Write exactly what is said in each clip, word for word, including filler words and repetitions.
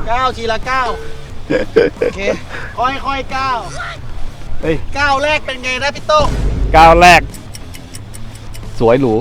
ก้าวทีละก้าวโอเคค่อยๆก้าวเฮ้ยก้าวแรกเป็นไงนะพี่โต้งก้าวแรกสวยหรู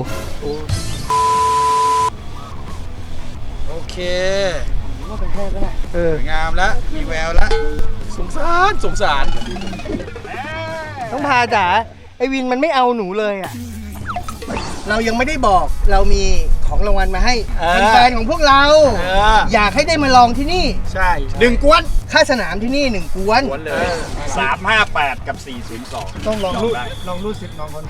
โอเคว่าเป็นแค่ก็ได้เอองามแล้วมีแววแล้วสงสารสงสารต้องพาจ๋าไอวินมันไม่เอาหนูเลยอ่ะเรายังไม่ได้บอกเรามีของรางวัลมาให้เป็นแฟนของพวกเราอยากให้ได้มาลองที่นี่ใช่หนึ่งกวนค่าสนามที่นี่หนึ่งกวนเลยสามห้าแปดกับสี่ศูนย์สองต้องลองรูดลองรูดสิบน้องคน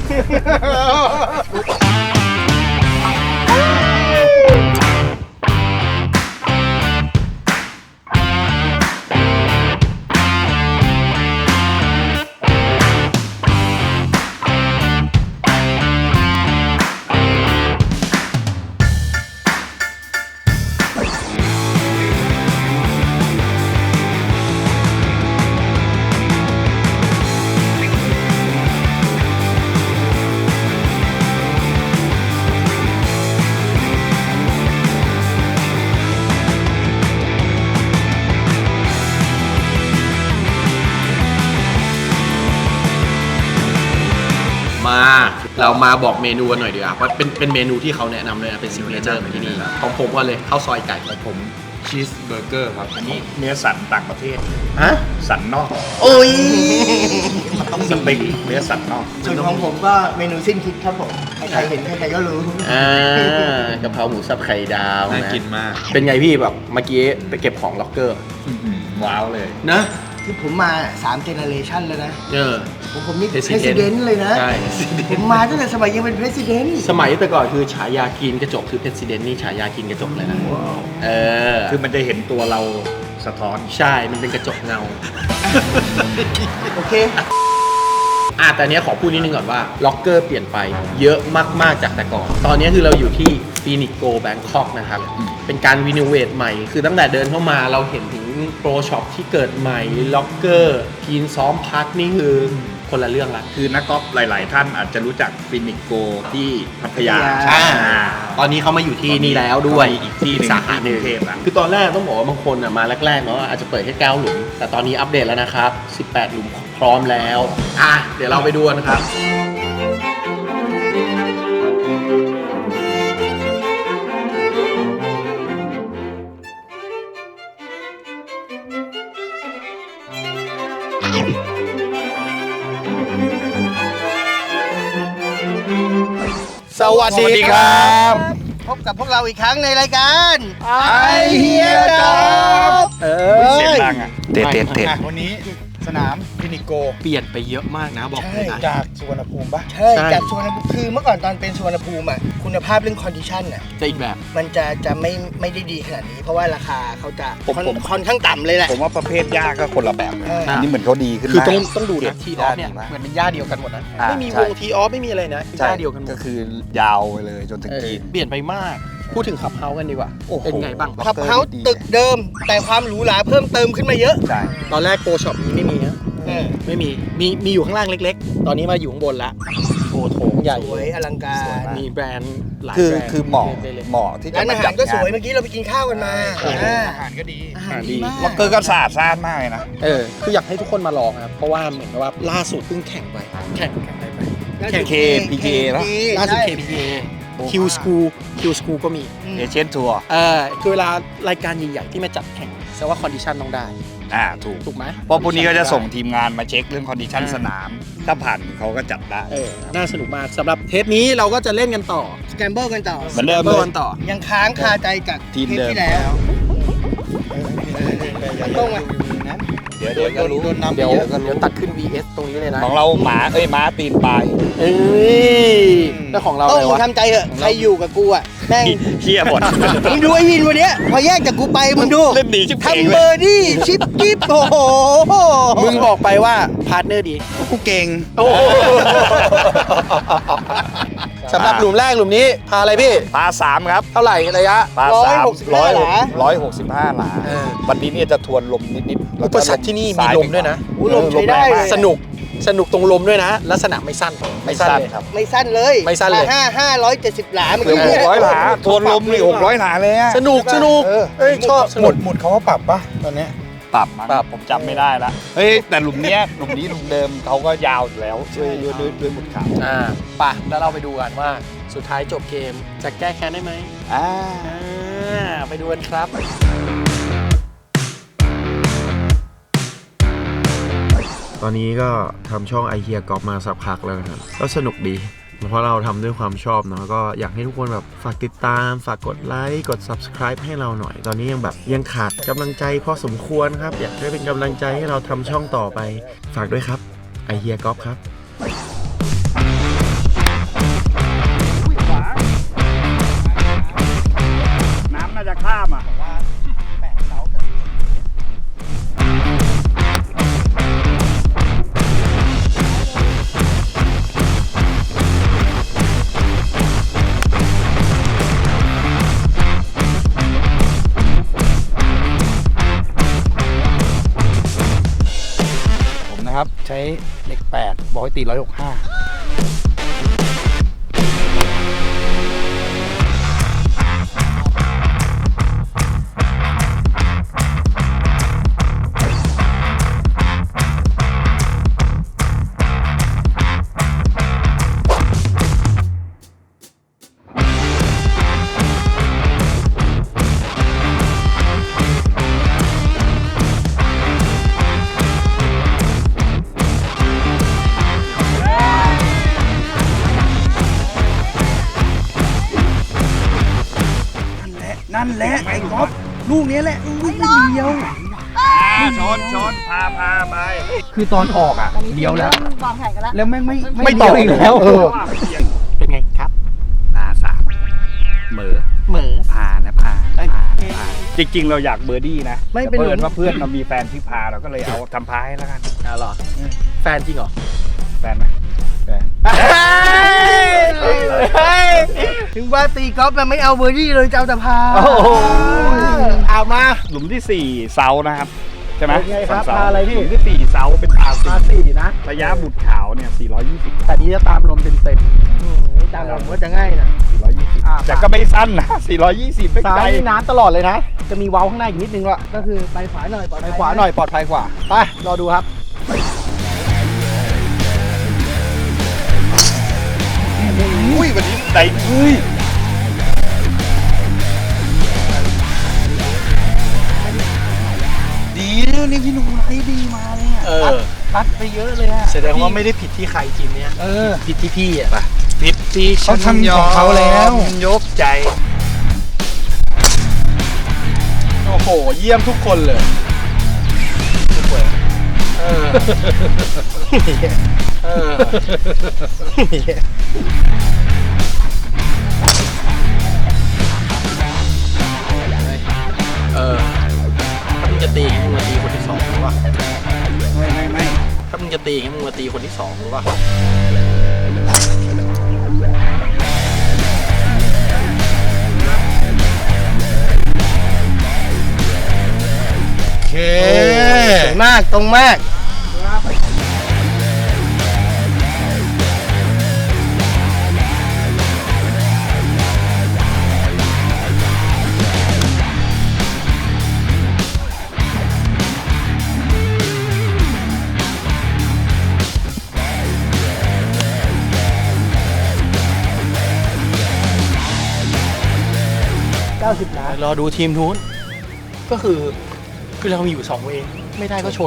มาเรามาบอกเมนูกันหน่อยดีกว่าเพราะเป็นเป็นเมนูที่เขาแนะนำเลยนะเป็นซิกเนเจอร์ของที่นี่ของผมว่าเลยข้าวซอยไก่ของผมชีสเบอร์เกอร์ครับอันนี้เนื้อสันต่างประเทศฮะสันนอกโอ้ยต้องสเต็กเนื้อสันนอกส่วนของผมก็เมนูสิ้นคิดครับผมใครเห็นใครก็รู้อ่ากะเพราหมูสับไข่ดาวน่ากินมากเป็นไงพี่แบบเมื่อกี้ไปเก็บของล็อกเกอร์ว้าวเลยนะคือผมมาสามเจเนอเรชันแล้วนะเออผมผมนี่ President เลยนะใช่ผมมาตั้งแต่สมัยยังเป็น President สมัยแต่ก่อนคือฉายากินกระจกคือ President นี่ฉายากินกระจกเลยนะเออคือมันจะเห็นตัวเราสะท้อนใช่มันเป็นกระจกเงาโอเคอ่ะแต่เนี้ยขอพูดนิดนึงก่อนว่าล็อกเกอร์เปลี่ยนไปเยอะมากๆจากแต่ก่อนตอนนี้คือเราอยู่ที่ฟีนิกซ์โกแบงคอกนะครับเป็นการรีโนเวทใหม่คือตั้งแต่เดินเข้ามาเราเห็นถึงโปรช็อปที่เกิดใหม่ล็อกเกอร์ทีนซ้อมพักนี่คือคนละเรื่องละคือนักกอล์ฟหลายๆท่านอาจจะรู้จักฟีนิกซ์โกที่พัทยาตอนนี้เขามาอยู่ที่นี่แล้วด้วยอีกที่สาขาหนึ่งคือตอนแรกต้องบอกว่าบางคนมาแรกๆเนาะอาจจะเปิดแค่เก้าหลุมแต่ตอนนี้อัปเดตแล้วนะครับสิบแปดหลุมพร้อมแล้วอ่ะเดี๋ยวเราไปดูกันครับสวัสดีครับพบกับพวกเราอีกครั้งในรายการไอเฮียครับเออเสียงดังอ่ะเตะเตะเตะวันนี้สนามฟินิโกเปลี่ยนไปเยอะมากนะบอกเลยนะจากสุวรรณภูมิปะใช่จากสุวรรณภูมิคือเมื่อก่อนตอนเป็นสุวรรณภูมิอ่ะคุณภาพเรื่องคอนดิชันอ่ะจะอีกแบบมันจะจะไม่ไม่ได้ดีขนาดนี้เพราะว่าราคาเขาจะค่อนข้างต่ำเลยแหละผมว่าประเภทหญ้าก็คนละแบบอันนี้เหมือนเขาดีขึ้นคือต้องต้องดูนะทีออฟเนี่ยเหมือนเป็นหญ้าเดียวกันหมดนะไม่มีวงทีออฟไม่มีอะไรนะหญ้าเดียวกันก็คือยาวไปเลยจนถึงกีนเปลี่ยนไปมากพูดถึงขับเฮาส์กันดีกว่าเป็นไงบ้างขับเฮาส์ตึกเดิมแต่ความหรูหราเพิ่มเติมขึ้นมาเยอะใช่ตอนแรกโกช็อปนี้ไม่มีนะไม่มีมีมีอยู่ข้างล่างเล็กๆตอนนี้มาอยู่ข้างบนละโอ้โถงใหญ่สวยอลังการมีแบรนด์หลายแบรนด์คือเหมาะเหมาะที่จะร้านอาหารก็สวยเมื่อกี้เราไปกินข้าวกันมาอาหารก็ดีอาหารดีล็อกเกอร์ก็สะอาดสะอาดมากเลยนะเออคืออยากให้ทุกคนมาลองครับเพราะว่าเหมือนกับว่าล่าสุดเพิ่งแข่งไปแข่งแข่งไปแข่ง เค พี จี เอ แล้วล่าสุด เค พี จี เอ คิว School คิว School ก็มีเอเชียนทัวร์เออคือเวลารายการใหญ่ๆที่มาจัดแข่งแสดงว่าคอนดิชันต้องได้อ่าถูกถูกไหมเพราะพวกนี้ก็จะส่งทีมงานมาเช็คเรื่องคอนดิชันสนามถ้าผ่านเขาก็จัดได้เออน่าสนุกมากสำหรับเทปนี้เราก็จะเล่นกันต่อสแกมเบิลกันต่อเหมือนเดิมกันต่อยังค้างคาใจจากทีมเดิมที่แล้วต้องมาเดี๋ยวเดี๋ยวก็รู้เดี๋ยวเดี๋ยวตัดขึ้น วี เอส ตรงนี้เลยนะของเราหมาเอ้ยม้าตีนปลายเอ้ยแล้วของเราต้องมึงทำใจเถอะใครอยู่กับกูอ่ะแม่งเหี้ยหมดมึงดูไอ้วินวันนี้พอแยกจากกูไปมึงดูเล่นดีชิบทำเบอร์ดี้ชิปกิ๊บโอ้โหมึงบอกไปว่าพาร์ทเนอร์ดีกูเก่งสำหรับหลุมแรกหลุมนี้พาอะไรพี่พาสามครับเท่าไหร่ระยะพาสามร้อยร้อยหกสิบห้าหลาวันนี้เนี่ยจะทวนลมนิดๆอุปสรรคที่นี่มีลมด้วยนะลมใช้ได้สนุกสนุกตรงลมด้วยนะลักษณะไม่สั้นไม่สั้นครับไม่สั้นเลยไม่สั้นเลยห้าห้าร้อยเจ็ดสิบหลาเมื่อเกือบกี้หกร้อยหลาทวนลมนี่หกร้อยหลาเลยอะสนุกสนุกเออเอ้ยชอบสหมนุดกหมดเขาว่าปรับปะตอนเนี้ยปรับมั้งปรับผมจำไม่ได้ละเฮ้ยแต่หลุมเนี้ยหลุมนี้หลุมเดิมเขาก็ยาวอยู่แล้วด้วยด้วยด้วยด้วยหมุดขาวอ่าป่ะแล้วเราไปดูกันว่าสุดท้ายจบเกมจะแก้แค้นได้ไหมอ่าอ่าไปดูกันครับตอนนี้ก็ทำช่องไอเฮียกอล์ฟมาสักพักแล้วนะครับก็สนุกดีเพราะเราทำด้วยความชอบเนาะก็อยากให้ทุกคนแบบฝากติดตามฝากกดไลค์กด ซับสไครบ์ ให้เราหน่อย ตอนนี้ยังแบบยังขาดกำลังใจพอสมควรครับ อยากได้เป็นกำลังใจให้เราทำช่องต่อไปฝากด้วยครับไอเฮียกอล์ฟครับน้ำน่าจะข้ามอ่ะ ผมนะครับใช้เหล็กแปดบอกให้ตีร้อยหกห้านั่นแหละไอ้ก๊อฟลูกนี้แหละอุ้ยเดียวชนชนพาพาไป คือตอนออกอ่ะเดียวแล้ววางแผนกันแล้วแล้วแม่งไม่ไม่ต่ออีกแล้วเออเป็นไงครับนาสามเหมอเหมือพานะพาพาพาจริงๆ เราอยากเบอร์ดี้นะไม่แต่เป็นเพื่อนว่าเพื่อนเรามีแฟนที่พาเราก็เลยเอาทำพาให้แล้วกันอ่ะเหรอแฟนจริงเหรอแฟนไหมแฟนถึงว่าตีกอล์ฟมันไม่เอาเบอร์ดี้เลยจะเอาแต่พาโอ้โหเอามาหลุมที่สี่เซานะครับ ใช่ไหมเป็นไงครับเซพาอะไรพี่หลุมที่สี่เซาเป็นพาพาสี่สี่นะระยะบุตรขาวเนี่ยสี่ร้อยยี่สิบแต่นี้จะตามลมเต็มเต็มตามลมก็จะง่ายนะสี่ร้อยยี่สิบอ่าแต่ก็ไม่สั้นนะสี่ร้อยยี่สิบไม่ซ้าไกลยนี่น้ำตลอดเลยนะ จะมีเว้าข้างหน้าอีกนิดนึงละก็คือไปขวาหน่อยปลอดภัยไปขวาหน่อยปลอดภัยกว่าไปรอดูครับอุ้ยวันนี้ใจเฮ้ยดีนะนี่พี่หนุ่มไอ้ดีมาเลยอ่ะเออตัดไปเยอะเลยอ่ะแสดงว่าไม่ได้ผิดที่ใครทีมเนี้ยเออผิดที่พี่อ่ะผิดที่เขาทำของเขาแล้วยกใจโอ้โห เยี่ยมทุกคนเลยเออเออเออถ้ามึงจะตีให้มึงมาตีคนที่สองหรือเปล่าไม่ไม่ไม่ถ้ามึงจะตีให้มึงมาตีคนที่สองหรือเปล่าโอเคสวยมากตรงมาก เก้าสิบล้านรอดูทีมนู้นก็คือคือเรามีอยู่สองเวย์ไม่ได้ก็ชน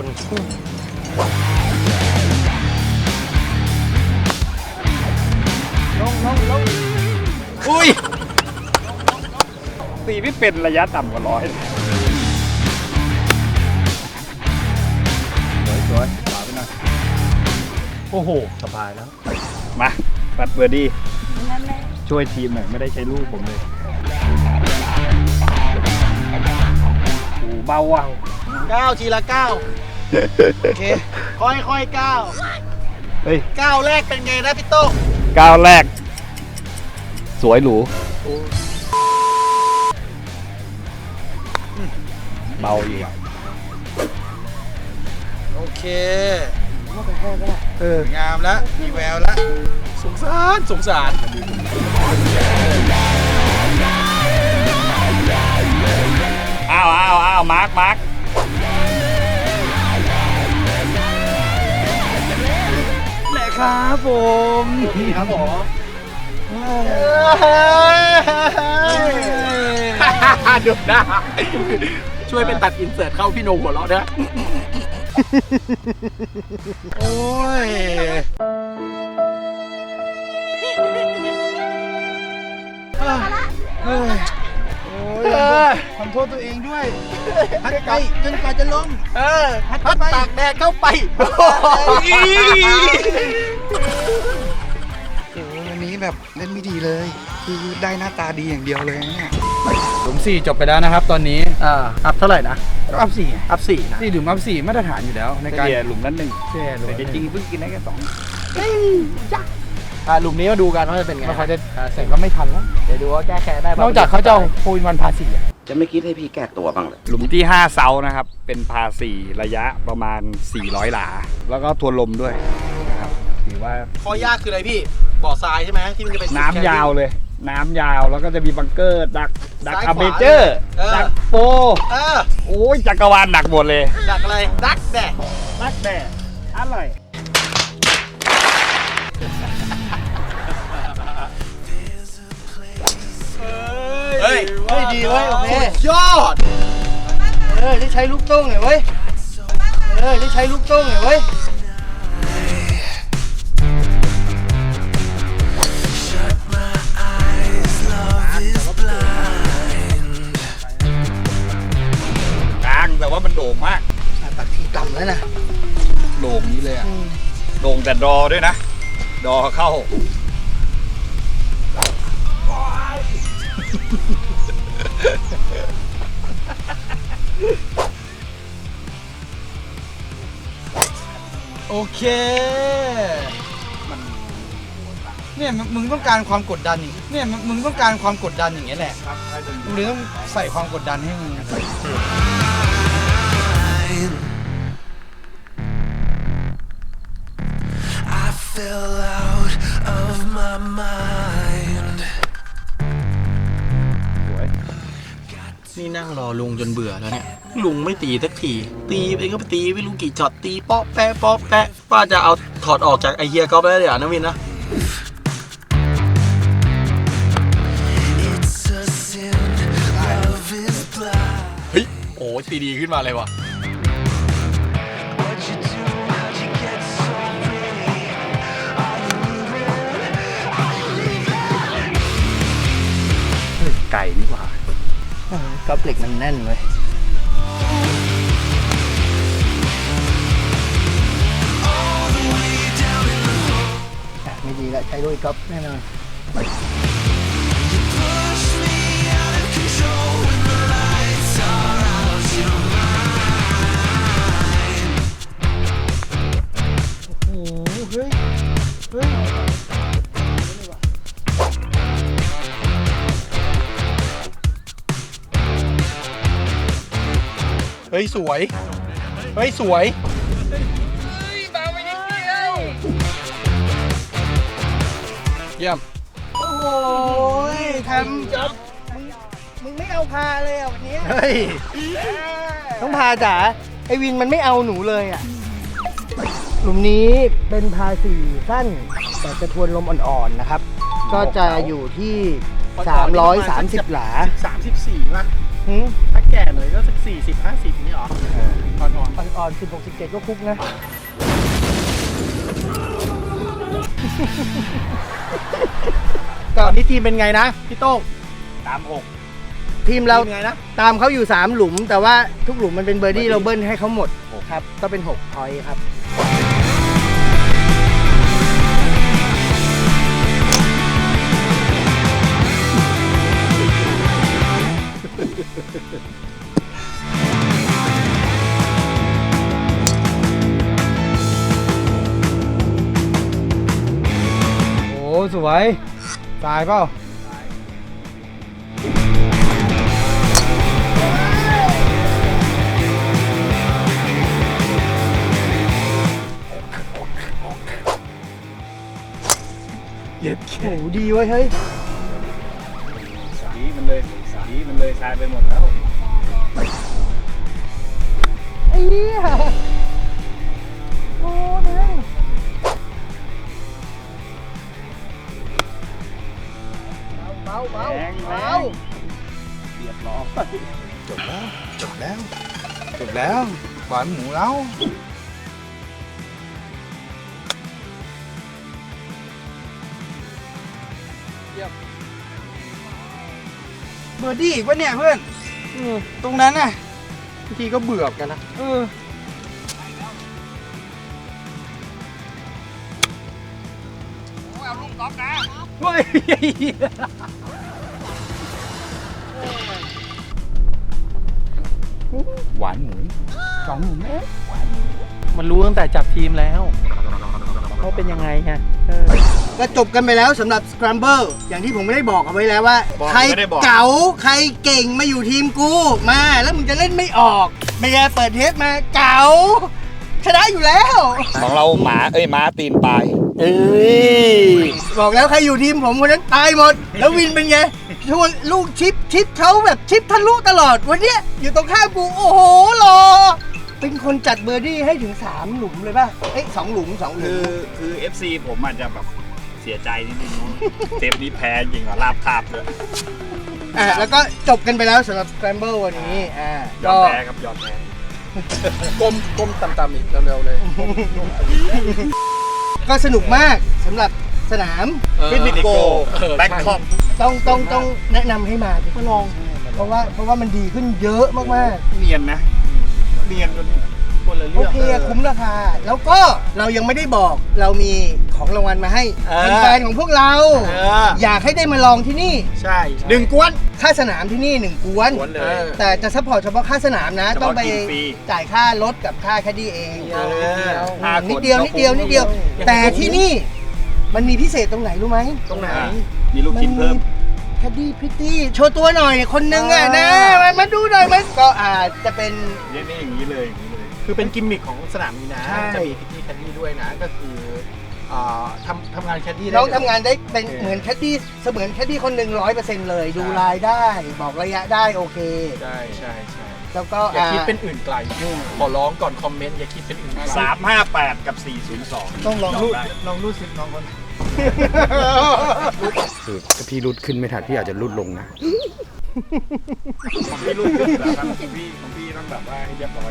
ลงลงลงอุ้ยตีไม่เป็นระยะต่ำกว่าร้อยสวยสวยขวาไปหน่อยโอ้โห สบายแล้วมาปัดเบอร์ดี้นั่นแหละช่วยทีมหน่อยไม่ได้ใช้ลูกผมเลยโอ้เบาว่ะเก้าทีละเก้าโอเค ค่อยค่อยเก้าเฮ้ยเก้าแรกเป็นไงนะพี่โต้งก้าวแรก สวยหรูเบาอีกโอเคเออสวยงามแล้วมีแววแล้วสงสารสงสารอ้าวอ้าวอ้าวมาร์คมาร์คแหละครับผมครับผมดูหน้าช่วยไปตัดอินเสิร์ตเข้าพี่โนหัวเราะด้วยโอ้ยเฮ้ยโอ้ยขอโทษตัวเองด้วยพัดไปจนกว่าจะล้มเออพัดตากแดดเข้าไปโอ้วันนี้แบบเล่นไม่ดีเลย คือได้หน้าตาดีอย่างเดียวเลยเนี่ยหลุมสี่จบไปแล้วนะครับตอนนี้อ่าอัพเท่าไหร่นะก็อัพสี่อัพสี่นะสี่หลุมอัพสี่มาตรฐานอยู่แล้วในการเฉลี่ยหลุมนั้นหนึ่งเสียหลุมแต่จริงๆเพิ่งกินได้แค่สองอ่าหลุมนี้มาดูกันว่าจะเป็นไงไม่ค่อยได้เสร็จก็ไม่ทันแล้วเดี๋ยวดูว่าแก้แค้นได้ปะนอกจากเขาจะเอาโฟนวันพาสี่อะจะไม่คิดให้พี่แก้ตัวบ้างเลยหลุมที่ห้าเซานะครับ เป็นพาสี่ระยะประมาณสี่ร้อยหลา แล้วก็ทวนลมด้วยนะครับถือว่าข้อยากคืออะไรพี่บ่อทรายใช่ไหมที่มันจะเป็นน้ำยาวเลย น้ำยาวแล้วก็จะมีบังเกอร์ ดัก ดักซ้ายอาขวาเมเจอร์เออดักโปเออโอ้ยจักรวาลหนักหมดเลยดักอะไรดักแดดนักแด่อร่อยเฮ้ยเฮ้ยดีเว้ยโอเคยอดเออได้ใช้ลูกโต้งหน่อยเว้ย เออได้ใช้ลูกโต้งหน่อยเว้ยกลางแต่ว่ามันโด่งมากตักทีต่ำแล้วนะโด่งนี้เลยอะโด่งแต่ดอด้วยนะ ดอเข้าโอเคเนี่ยมึงมึงต้องการความกดดันอีกเนี่ยมึงมึงต้องการความกดดันอย่างเงี้ยแหละมึงเลยต้องใส่ความกดดันให้มึง I fell out of my mind. นี่นั่งรอลุงจนเบื่อแล้วเนี่ย ลุงไม่ตีสักที ตีไปก็ไปตีไม่รู้กี่ช็อตตีป๊อปแปะป๊อปแปะว่าจะเอาถอดออกจากไอเฮียก๊อฟได้เลยอ่ะนะวินนะ It's a sin. Love is blind. เฮ้ย โอ้ตีดีขึ้นมาเลยว่ะ What you do? How'd you get so pretty? Are you leaving? Are you leaving? ไก่นี่หว่ากอบเหล็กมันแน่นเว้ย อ่ะไม่ดีละใช้ด้วยก๊อฟแน่นอน Push me out of control when the lights are out. You're mine. โอ้โหเฮ้ย เฮ้ยเฮ้ย สวย เฮ้ย สวย เยี่ยมโอ้ยทำจ๊อบมึงมึงไม่เอาพาเลยอ่ะวันนี้เฮ้ยต้องพาจ๋าไอวินมันไม่เอาหนูเลยอ่ะ หลุมนี้เป็นพาสี่สั้น แต่จะทวนลมอ่อนๆนะครับ ก็จะอยู่ที่ สามร้อยสามสิบ หลาสามสิบสี่ป่ะหืมถ้าแก่หน่อยก็สักสี่สิบห้าสิบนี่หรออ่อนอ่อนๆสิบหกสิบเจ็ดก็คุกนะๆก่อนนี้ทีมเป็นไงนะ พี่โต้งตามหกทีมเราทีมไงนะตามเขาอยู่ สาม หลุม แต่ว่าทุกหลุมมันเป็นเบอร์ดี้เราเบิ้ลให้เขาหมดครับ ก็เป็นหกพอยต์ครับโอ้สวยตายเปล่าดีเว้ยเฮ้ยสีมันเลยสีมันเลยชายไปหมดแล้วไอ้เหี้ยโอ้แม่งเบาเบาแรงแรเบางเรียบร้อยจบแล้ว จบแล้ว จบแล้วหวานหมูแล้วเบอร์ดี้อีกวะเนี่ยเพื่อนอืมตรงนั้นน่ะบางทีก็เบื่อกันนะเออเอาลูกก๊อฟนะเฮ้ยหวานหมูสองหมูแม่มันรู้ตั้งแต่จับทีมแล้วว่าเป็นยังไงฮะเออก็จบกันไปแล้วสำหรับ Scramble อย่างที่ผมไม่ได้บอกเอาไว้แล้วว่าบอกใครไม่ได้บอกเก๋าใครเก่งมาอยู่ทีมกูมาแล้วมึงจะเล่นไม่ออกไม่ได้เปิดเทปมาเก๋าชนะอยู่แล้วของเราหมาเอ้ยม้าตีนปลายเอ้ยบอกแล้วใครอยู่ทีมผมคนนั้นตายหมด แล้ววินเป็นไงชวนลูกชิปชิปเขาแบบชิปทะลุตลอดวันเนี้ยอยู่ตรงข้ามกูโอ้โหรอเป็นคนจัดเบอร์ดี้ให้ถึงสามหลุมเลยป่ะเอ้ยสองหลุมสองหลุคืมอคือ เอฟ ซี ผมอาจจะแบบเสียใจนิดนึงเทปนี้แพ้จริงเหรอลาบคาบเลยอ่ะแล้วก็จบกันไปแล้วสำหรับ Scramble วันนี้อ่ายอก็มแพ้ครับยอมแพ้ก้มก้มต่ำๆอีกเร็วๆเลยก็สนุกมากสำหรับสนามฟินิโกแบงคอกต้องต้องต้องแนะนำให้มาก็ลอง เพราะว่าเพราะว่ามันดีขึ้นเยอะมากๆเนียนนะ เนียนจนคนละโอเรื่องเคคุ้มราคา แล้วก็เรายังไม่ได้บอกเรามีของรางวัลมาให้เออแฟนๆของพวกเราเอออยากให้ได้มาลองที่นี่ใช่หนึ่งกวนค่าสนามที่นี่หนึ่งกวนล้วนเลยแต่จะซัพพอร์ตเฉพาะค่าสนามนะเฉพาะต้องไปกินฟรีจ่ายค่ารถกับค่าแคดดี้เองเออห้านิดคนเดียวนิดเดียวนิดเดียว แต่ที่นี่มันมีพิเศษตรงไหนรู้ไหมตรงไหนอ่ามีลูกชิ้นเพิ่มแคดดี้พริตตี้โชว์ตัวหน่อยคนนึงอ่ะนะมามาดูหน่อยมันก็อาจจะเป็นนี่นี่อย่างนี้เลยอย่างนี้เลยคือเป็นกิมมิคของสนามนี้นะใช่จะมีพิตตี้แคดดี้ด้วยนะ ก็คืออ่าทำทำงานแคดดี้ได้น้องเลยทำงานได้เป็นเหมือนแคดดี้เสมือนแคดดี้คนหนึ่งร้อยเปอร์เซ็นต์เลย ดูลายได้ บอกระยะได้โอเคใช่ใช่ใช่แล้วก็อย่าคิดอ่าเป็นอื่นไกลขอร้องก่อนคอมเมนต์อย่าคิดเป็นอื่นไกลสามห้าแปดกับสี่ศูนย์สองต้องลองรูดได้ลองรูดซิปน้องคนคือถ้าพี่รุดขึ้นไม่ทันพี่อาจจะรุดลงนะของพี่รุดขึ้นแบบของพี่ของพี่ต้องแบบว่าให้เรียบร้อย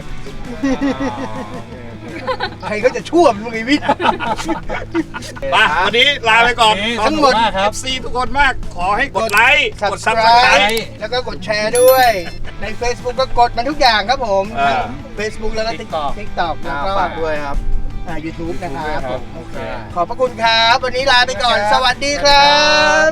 ใครก็จะชั่วมึงไอ้วิทย์ไปวันนี้ลาไปก่อนทั้งหมดขอบคุณากครับ เอฟ ซี ทุกคนมาก ขอให้กดไลค์ กด subscribe Subscribe แล้วก็กดแชร์ด้วย ใน Facebook ก็กดมันทุกอย่างครับผมอ่าทั้ง Facebook แล้วก็ TikTok TikTok แล้วก็ฝากด้วยครับอ่า YouTube นะครับครับโอเคขอบพระคุณครับ วันนี้ลาไปก่อน สวัสดีครับ